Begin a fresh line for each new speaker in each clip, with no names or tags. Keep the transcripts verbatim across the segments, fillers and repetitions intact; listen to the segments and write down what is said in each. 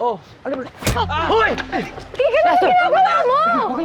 Oh, ano ba? Ah! Hoy!
Tigil mo ginagawa mo!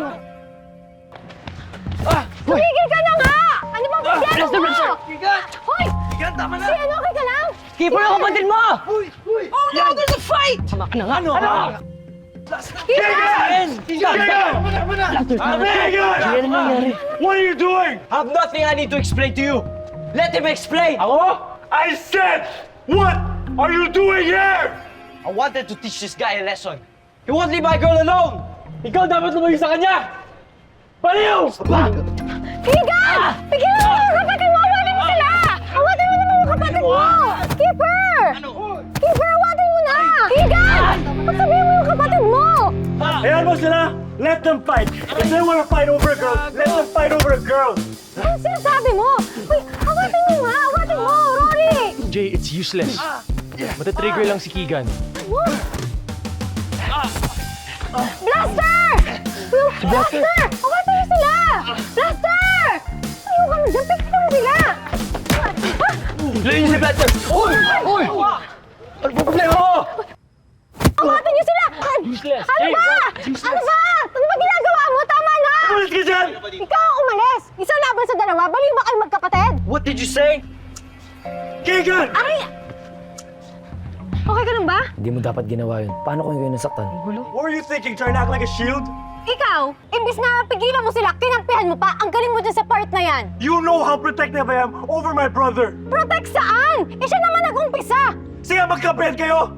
Ah! Hoy!
Tigil ka na nga! Ano bang
Ah!
problema
Blaster,
mo?
blaster! Kigan!
Hoy!
Kigan, tama na!
Si ano, okay ka lang?
Keeper yung kapatid mo! Hoy! Hoy! Oh no, there's a fight! Tama ka na nga! Ano? Ano?
Kigan!
Kigan!
Kigan!
Kigan, ano nangyari?
What are you doing?
I have nothing I need to explain to you! Let him explain!
Ako? I said, what are you doing here?
I wanted to teach this guy a lesson. He won't leave my girl alone! Ikaw dapat lumayo sa kanya! Baliw!
Kigan! Pigilan mo yung kapatid mo! Awatin mo sila! Awatin mo naman yung kapatid mo! Keeper! Keeper, awatin mo na! Kigan! Pagsabihin mo yung kapatid mo!
Ayan mo sila. Let them fight. If they want to fight over a girl, let them fight over a girl.
Ano sinasabi mo? Uy, awatin mo nga! Awatin mo, Rory!
Jay, it's useless. Matatrigger lang si Keegan.
What? Blaster! Uy, Blaster! Awatin mo sila! Blaster! Ayaw ka na dyan! Pigilan mo sila!
Layo niyo si Blaster! Uy! Uy! Ano po problema mo?
Awatin niyo sila!
Useless.
Ano
Hey,
ba?
Rob, useless.
Ano ba? Ano ba ginagawa mo? Tama na!
Umalis ka dyan!
Ikaw ang umalis! Isa laban sa dalawa, baliw ba kayo magkapatid?
What did you say?
Kigan!
Ay! Okay ka lang ba?
Hindi mo dapat ginawa yun. Paano kung kayo nasaktan?
What were you thinking? Trying to act like a shield?
Ikaw, imbis na pigilan mo sila, kinampihan mo pa, ang galing mo dyan sa part na yan.
You know how protective I am over my brother.
Protect saan? Eh siya naman nag-umpisa!
Sige, magkapit kayo!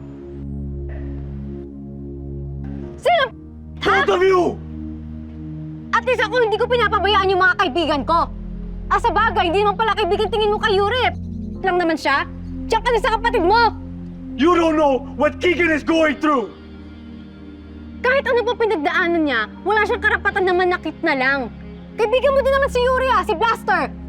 Sino? Ha?
Both of you!
At least ako hindi ko pinapabayaan yung mga kaibigan ko. Ah, sa bagay, hindi naman pala kaibigan tingin mo kay Yuri. Lang naman siya. Diyan ka na sa kapatid mo.
You don't know what Keegan is going through!
Kahit ano pa pinagdaanan niya, wala siyang karapatan na manakit na lang. Kaibigan mo din naman si Yuri ah, si Blaster.